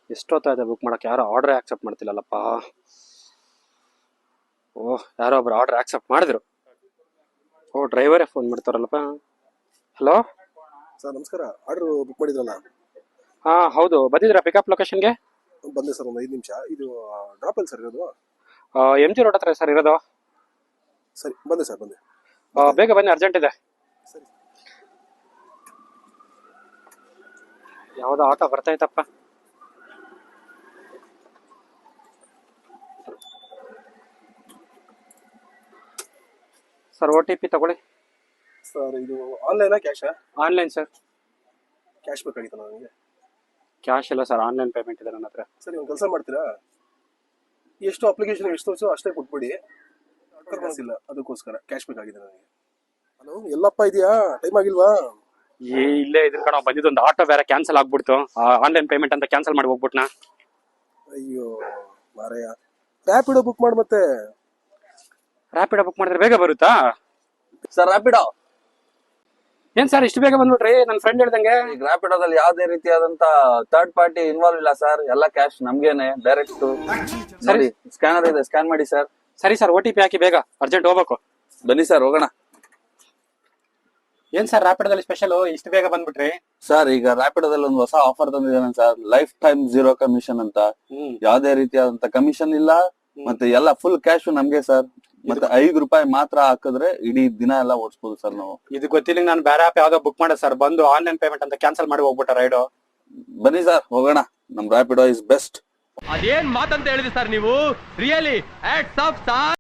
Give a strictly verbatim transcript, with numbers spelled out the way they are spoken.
ಎಷ್ಟೊತ್ತಾಯ್ತು book ಮಾಡಕ್ಕೆ? ಯಾರೋ order accept ಮಾಡ್ತಿಲ್ಲಲ್ಲಪ್ಪ. ಓಹ್, ಯಾರೋ ಒಬ್ರು ಆರ್ಡರ್ ಆಕ್ಸೆಪ್ಟ್ ಮಾಡಿದ್ರು. ಓ, ಡ್ರೈವರೇ ಫೋನ್ ಮಾಡ್ತಾರಲ್ಲಪ್ಪ. ಹಲೋ ಸರ್ ನಮಸ್ಕಾರ. ಆರ್ಡರ್ ಬುಕ್ ಮಾಡಿದ್ರಲ್ಲ? ಹಾ ಹೌದು, ಬಂದಿದ್ರಾ ಪಿಕಪ್ ಲೊಕೇಶನ್ಗೆ? ಬಂದೆ ಸರ್, ಒಂದು ಐದು ನಿಮಿಷ. ಇದು ಡ್ರಾಪ್ ಅಲ್ಲಿ ಸರ್ ಇರೋದು? ಎಂ ಜಿ ರೋಡ್ ಹತ್ರ ಸರ್ ಇರೋದು. ಸರಿ, ಬಂದೆ ಸರ್, ಬಂದೆ. ಆ, ಬೇಗ ಬನ್ನಿ, ಅರ್ಜೆಂಟ್ ಇದೆ. ಸರಿ. ಯಾವ್ದೋ ಆಟೋ ಬರ್ತಾಯ್ತಪ್ಪ. ಸರ್, ಓ ಟಿ ಪಿ ತಗೊಳ್ಳಿ. ಸರ್ ಇದು ಆನ್ಲೈನಾ ಕ್ಯಾಶಾ? Online sir. ಕ್ಯಾಶ್ ಬೇಕಾಗಿತ್ತು ನನಗೆ. ಕ್ಯಾಶ್ ಇಲ್ಲ ಸರ್, ಆನ್ಲೈನ್ ಪೇಮೆಂಟ್ ಇದೆ ನನ್ನ ಹತ್ರ. ಸರಿ, ಒಂದು ಕೆಲಸ ಮಾಡ್ತೀರಾ? ಎಷ್ಟು ಅಪ್ಲಿಕೇಶನ್ ಎಷ್ಟು ತೋರಿಸೋ ಅಷ್ಟೇ ಕೊಟ್ಬಿಡಿ. ಇಲ್ಲ, ಅದಕ್ಕೋಸ್ಕರ ಕ್ಯಾಶ್ ಬೇಕಾಗಿದೆ ನನಗೆ. ಹಲೋ, ಎಲ್ಲಪ್ಪ ಇದೆಯಾ? ಟೈಮ್ ಆಗಿಲ್ವಾ? ಏ ಇಲ್ಲೇ ಇದ್ರ ಕಣ ಬಂದಿದ್ದು. ಒಂದು ಆಟೋ ಬೇರೆ ಕ್ಯಾನ್ಸಲ್ ಆಗ್ಬಿಡ್ತು. ಆನ್ಲೈನ್ ಪೇಮೆಂಟ್ ಅಂತ ಕ್ಯಾನ್ಸಲ್ ಮಾಡಿ ಹೋಗ್ಬಿಟ್ನಾ. ಅಯ್ಯೋ ಮಾರಯ್ಯ, ರ್ಯಾಪಿಡೋ ಬುಕ್ ಮಾಡಿ ಮತ್ತೆ. ರ್ಯಾಪಿಡೋ ಬುಕ್ ಮಾಡಿದ್ರೆ ಬೇಗ ಬರುತ್ತಾ ಸರ್? ರ್ಯಾಪಿಡೋ ಏನ್ ಸರ್ ಇಷ್ಟು ಬೇಗ ಬಂದ್ಬಿಟ್ರಿ? ನನ್ನ ಫ್ರೆಂಡ್ ಹೇಳ್ದಂಗೆ ಈಗ ರ್ಯಾಪಿಡೋದಲ್ಲಿ ಯಾವುದೇ ರೀತಿಯಾದಂತ ಥರ್ಡ್ ಪಾರ್ಟಿ ಇನ್ವಾಲ್ವ್ ಇಲ್ಲ ಸರ್. ಎಲ್ಲ ಕ್ಯಾಶ್ ನಮ್ಗೇನೆ ಡೈರೆಕ್ಟ್. ಸರಿ, ಸ್ಕ್ಯಾನರ್ ಇದೆ, ಸ್ಕ್ಯಾನ್ ಮಾಡಿ ಸರ್. ಸರಿ ಸರ್, ಓ ಟಿ ಪಿ ಹಾಕಿ, ಬೇಗ ಅರ್ಜೆಂಟ್ ಹೋಗ್ಬೇಕು. ಬನ್ನಿ ಸರ್, ಹೋಗೋಣ. ಏನ್ ಸರ್ ರ್ಯಾಪಿಡೋದಲ್ಲಿ ಸ್ಪೆಷಲ್ ಇಷ್ಟು ಬೇಗ ಬಂದ್ಬಿಟ್ರಿ? ಸರ್, ಈಗ ರ್ಯಾಪಿಡೋದಲ್ಲಿ ಒಂದು ಹೊಸ ಆಫರ್ ತಂದಿದ್ದಾನೆ sir, lifetime zero commission ಅಂತ. ಯಾವುದೇ ರೀತಿಯಾದಂತ ಕಮಿಷನ್ ಇಲ್ಲ, ಮತ್ತೆ ಎಲ್ಲ ಫುಲ್ ಕ್ಯಾಶ್ ನಮ್ಗೆ ಸರ್. ಮತ್ತೆ ಐದು ರೂಪಾಯಿ ಮಾತ್ರ ಹಾಕಿದ್ರೆ ಇಡೀ ದಿನ ಎಲ್ಲ ಓಡಿಸಬಹುದು ಸರ್ ನಾವು. ಇದು ಗೊತ್ತಿಲ್ಲ, ನಾನು ಬೇರೆ ಆಪ್ ಯಾವ್ದೋ ಬುಕ್ ಮಾಡಿದೆ ಸರ್, ಬಂದು ಆನ್ಲೈನ್ ಪೇಮೆಂಟ್ ಅಂತ ಕ್ಯಾನ್ಸಲ್ ಮಾಡಿ ಹೋಗ್ಬಿಟ್ಟ ರೈಡು. ಬನ್ನಿ ಸರ್, ಹೋಗೋಣ. ನಮ್ ರ್ಯಾಪಿಡೋ ಇಸ್ ಬೆಸ್ಟ್. ಅದೇನ್ ಮಾತಂತ ಹೇಳಿದ್ರಿ ಸರ್ ನೀವು? Really hats off sir.